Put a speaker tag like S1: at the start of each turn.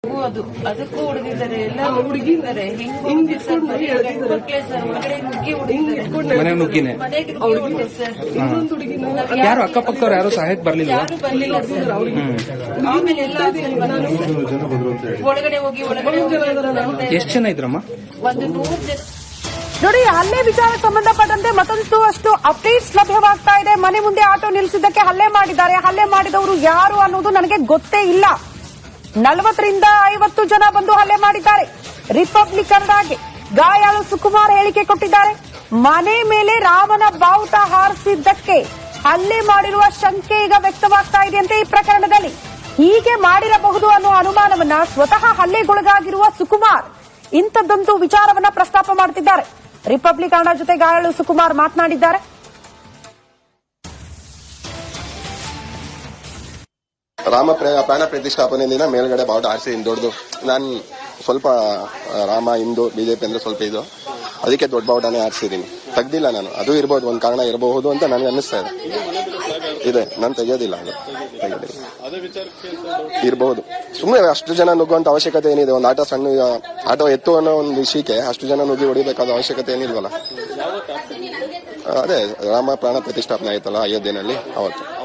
S1: ಅದಕ್ಕೂ ಹೊಡೆದಿದ್ದಾರೆ, ಎಲ್ಲ ಹುಡುಗಿದ್ದಾರೆ.
S2: ಮನೆ ನುಗ್ಗಿನೇ ಯಾರು ಅಕ್ಕಪಕ್ಕದವ್ರು ಯಾರು ಸಹಾಯಕ್ಕೆ ಬರ್ಲಿಲ್ಲ.
S1: ಆಮೇಲೆ ಎಲ್ಲ ಒಳಗಡೆ ಹೋಗಿ
S2: ಎಷ್ಟು ಜನ ಇದ್ರಮ್ಮ?
S1: ಒಂದು 100 ಜನ.
S3: ನೋಡಿ, ಹಲ್ಲೆ ವಿಚಾರಕ್ಕೆ ಸಂಬಂಧಪಟ್ಟಂತೆ ಮತ್ತೊಂದು ಅಷ್ಟು ಅಪ್ಡೇಟ್ಸ್ ಲಭ್ಯವಾಗ್ತಾ ಇದೆ. ಮನೆ ಮುಂದೆ ಆಟೋ ನಿಲ್ಲಿಸಿದ್ದಕ್ಕೆ ಹಲ್ಲೆ ಮಾಡಿದ್ದಾರೆ. ಹಲ್ಲೆ ಮಾಡಿದವರು ಯಾರು ಅನ್ನೋದು ನನಗೆ ಗೊತ್ತೇ ಇಲ್ಲ. 40 ರಿಂದ 50 ಜನ ಬಂದು ಹಲ್ಲೆ ಮಾಡಿದ್ದಾರೆ. ರಿಪಬ್ಲಿಕ್ ಕನ್ನಡಗೆ ಗಾಯಾಳು ಸುಕುಮಾರ್ ಹೇಳಿಕೆ ಕೊಟ್ಟಿದ್ದಾರೆ. ಮನೆ ಮೇಲೆ ರಾಮನ ಬಾವುಟ ಹಾರಿಸಿದ್ದಕ್ಕೆ ಹಲ್ಲೆ ಮಾಡಿರುವ ಶಂಕೆ ಈಗ ವ್ಯಕ್ತವಾಗ್ತಾ ಇದೆಯಂತೆ. ಈ ಪ್ರಕರಣದಲ್ಲಿ ಹೀಗೆ ಮಾಡಿರಬಹುದು ಅನ್ನೋ ಅನುಮಾನವನ್ನ ಸ್ವತಃ ಹಲ್ಲೆಗೊಳಗಾಗಿರುವ ಸುಕುಮಾರ್ ಇಂಥದ್ದೊಂದು ವಿಚಾರವನ್ನ ಪ್ರಸ್ತಾಪ ಮಾಡುತ್ತಿದ್ದಾರೆ. ರಿಪಬ್ಲಿಕ್ ಕನ್ನಡ ಜೊತೆ ಗಾಯಾಳು ಸುಕುಮಾರ್ ಮಾತನಾಡಿದ್ದಾರೆ.
S4: ರಾಮ ಪ್ರಾಣ ಪ್ರತಿಷ್ಠಾಪನೆ ದಿನ ಮೇಲ್ಗಡೆ ಬಾವುಟ ಆರಿಸಿ ದೊಡ್ಡದು. ನಾನು ಸ್ವಲ್ಪ ರಾಮ ಹಿಂದೂ ಬಿಜೆಪಿ ಅಂದ್ರೆ ಸ್ವಲ್ಪ ಇದು, ಅದಕ್ಕೆ ದೊಡ್ಡ ಬಾವುಟನೇ ಆರಿಸಿದೀನಿ. ತೆಗ್ದಿಲ್ಲ ನಾನು. ಅದು ಇರಬಹುದು, ಒಂದು ಕಾರಣ ಇರಬಹುದು ಅಂತ ನನಗೆ ಅನ್ನಿಸ್ತಾ ಇದೆ. ನಾನು ತೆಗೆಯೋದಿಲ್ಲ, ಅದು ಇರಬಹುದು. ಸುಮ್ಮನೆ ಅಷ್ಟು ಜನ ನುಗ್ಗುವಂತ ಅವಶ್ಯಕತೆ ಏನಿದೆ? ಒಂದು ಆಟೋ ಎತ್ತು ಅನ್ನೋ ಒಂದು ವಿಷಯಕ್ಕೆ ಅಷ್ಟು ಜನ ನುಗ್ಗಿ ಹೊಡಿಬೇಕಾದ ಅವಶ್ಯಕತೆ ಏನಿಲ್ವಲ್ಲ. ಅದೇ ರಾಮ ಪ್ರಾಣ ಪ್ರತಿಷ್ಠಾಪನೆ ಆಯ್ತಲ್ಲ ಅಯೋಧ್ಯೆನಲ್ಲಿ, ಅವತ್ತು.